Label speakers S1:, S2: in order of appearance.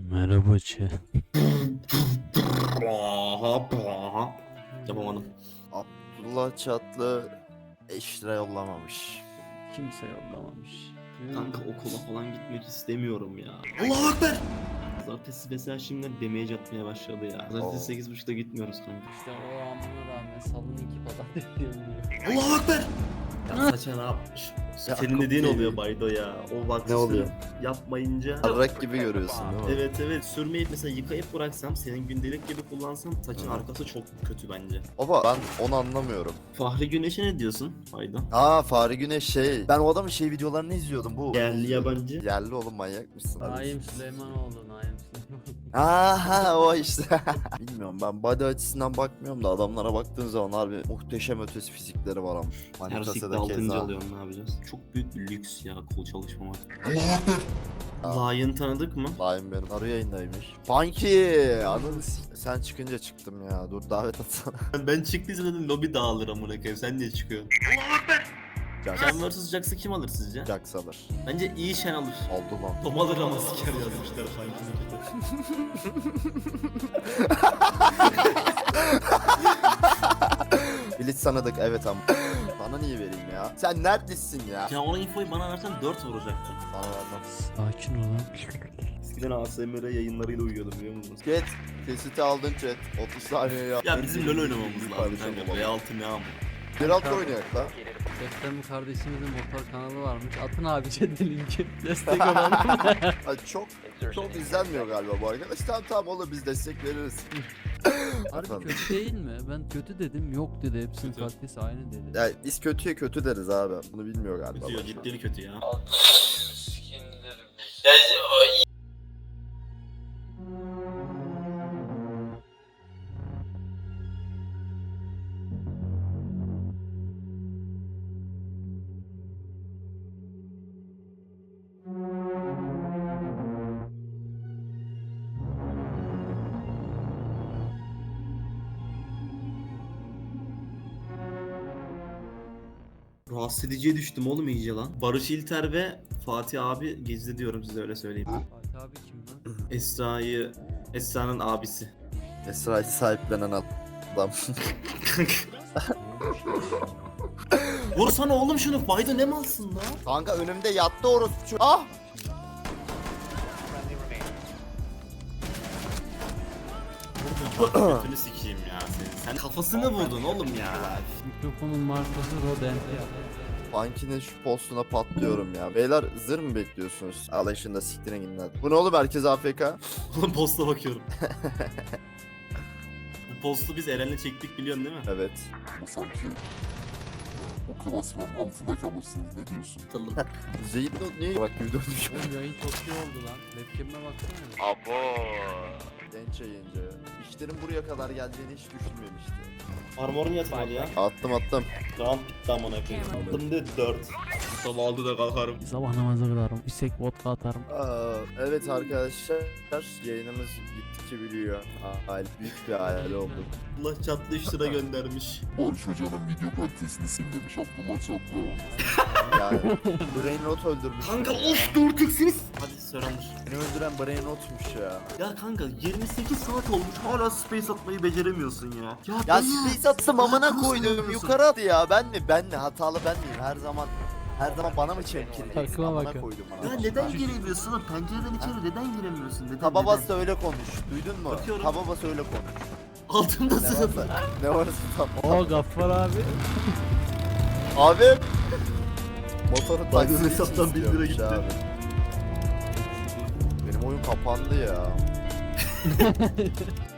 S1: Merhaba chat.
S2: Yapamadım.
S3: Abdullah Çatlı 5 lira yollamamış.
S1: Kimse yollamamış.
S2: Kanka okula falan gitmek istemiyorum ya. Allahu Ekber! Pazartesi mesela şimdiden demeye atmaya başladı ya. Pazartesi 8.30'da gitmiyoruz kanka.
S1: İşte o amına rağmen salın iki pazartesi diyorum.
S2: Allahu Ekber! Ya saça ne yapmış?
S3: Ya
S2: Senin
S3: akıl
S2: dediğin
S3: değil.
S2: oluyor Baydo ya. O bak
S3: Ne oluyor?
S2: yapmayınca.
S3: Arrak gibi görüyorsun değil mi?
S2: Evet sürmeyip mesela yıkayıp bıraksam senin gündelik gibi kullansam saçın
S3: Hı.
S2: arkası çok kötü bence.
S3: Baba ben onu anlamıyorum.
S2: Fahri Güneş'e ne diyorsun Baydo?
S3: Fahri Güneş Ben o adamın videolarını izliyordum bu.
S2: Yerli yabancı.
S3: Yerli oğlum manyak mısın?
S1: Naim Süleymanoğlu, Naim Süleymanoğlu.
S3: O işte. Bilmiyorum ben body açısından bakmıyorum da adamlara baktığın zaman harbi muhteşem ötesi fizikleri var ama.
S2: Her
S3: Manitasa'da
S2: sikte 6. alıyorsun ne yapacağız? Çok büyük bir lüks ya kol çalışmamak. Lion tanıdık mı?
S3: Lion benim arı yayındaymış. Funky! Anladın sen çıkınca çıktım ya. Dur davet atsana.
S2: Ben çıktıysa dedim lobi dağılır amına koyayım. Sen niye çıkıyorsun? Shen vs Jax'ı kim alır sizce?
S3: Jax alır.
S2: Bence iyi Shen alır.
S3: Oldu lan.
S2: Tom alır ama siker yazmışlar sanki.
S3: Blitz sanıdık evet ama. Bana niye vereyim ya? Sen neredesin ya?
S2: Ya ona infoyu bana versen 4 vuracaktı.
S3: Bana vermem.
S1: Sakin ol lan.
S2: Eskiden ASMR yayınlarıyla uyuyordum biliyor musunuz?
S3: Chat. Kesiti aldın chat. 30 saniye yap.
S2: Ya bizim LoL oynamamız lazım
S3: Kardeşim
S2: kanka.
S3: baba.
S2: V6 ne ama?
S3: Geralt oynayak lan.
S1: Deftem kardeşimizin motor kanalı varmış. Atın abi chat'e linki. Destek olalım.
S3: Ay çok izlenmiyor galiba bu arkadaş. Tamam olur biz destek veririz.
S1: Harbi
S3: Efendim?
S1: kötü değil mi? Ben kötü dedim. Yok dedi. Hepsinin
S2: Kötü.
S1: kalitesi aynı dedi.
S3: Ya biz kötüye kötü deriz abi. Bunu bilmiyor galiba.
S2: Kötü ya
S3: boş ver.
S2: ciddi kötü ya. Rahatsız ediciye düştüm oğlum iyice lan. Barış İlter ve Fatih abi gezdi diyorum size öyle söyleyeyim.
S1: Fatih abi kim lan?
S2: Esra'nın abisi.
S3: Esra'yı sahiplenen adam.
S2: Vursana oğlum şunu. Bayda ne malsın lan?
S3: Kanka önümde yattı orospu. Ah!
S2: Götünü sikeyim ya senin. Sen kafasını vurdun oğlum ya.
S1: Mikrofonun markası Roden.
S3: Funky'nin şu postuna patlıyorum ya. Beyler zır mı bekliyorsunuz? Alın şunu da siktirin gidin hadi. Bu ne oğlum herkes AFK?
S2: Oğlum posta bakıyorum. Bu postu biz Eren'le çektik biliyorsun değil mi?
S3: Evet.
S4: Bu sanki o klasmanın altında kalırsınız, ne diyorsun?
S2: Hatırladım.
S3: Zeyit Not niye bak gibi dönmüş?
S1: Oğlum yayın çok iyi oldu lan. Webcam'e baksana.
S3: Abo. Genç yayıncı. İşlerin buraya kadar geleceğini hiç düşünmemişti.
S2: Armor'un yatmadı ya.
S3: Attım.
S2: Round bitti amına koyayım. Attım de 4. Sabah 6'da kalkarım.
S1: Sabah namazı kılarım. Bisek vodka atarım.
S3: Evet arkadaşlar yayınımız gittikçe büyüyor. Büyük bir hayal oldu.
S2: Allah çatlı 3 lira göndermiş.
S4: Barış Hoca'nın video kalitesini sil demiş Abdullah Çatlı.
S3: Yani Brain Rot öldürmüş.
S2: Kanka of 4x'iniz. Hadi Surrender.
S3: Beni öldüren Brain Rot'muş ya.
S2: Ya kanka 28 saat olmuş hala space atmayı beceremiyorsun ya.
S3: Ya
S2: dayı,
S3: space atsam amına
S2: nasıl
S3: koydum
S2: yapıyorsun?
S3: yukarı attı ya ben mi hatalı ben miyim her zaman bana mı çemkireceksin
S1: Takıma
S3: amına
S1: bakın.
S3: koydum bana.
S2: Ya neden giremiyorsun lan? Pencereden içeri neden giremiyorsun? Neden?
S3: Tababas
S2: neden?
S3: da öyle konuş duydun mu?
S2: Bakıyorum.
S3: Tababas öyle konuş.
S2: Altında
S3: Ne
S2: sınıf.
S3: varsa ne varsa tam.
S1: Oo Gaffar abi.
S3: Abi motoru
S2: Bak,
S3: taksi
S2: hesaptan 1 lira gitti.
S3: Abi. Benim oyun kapandı ya.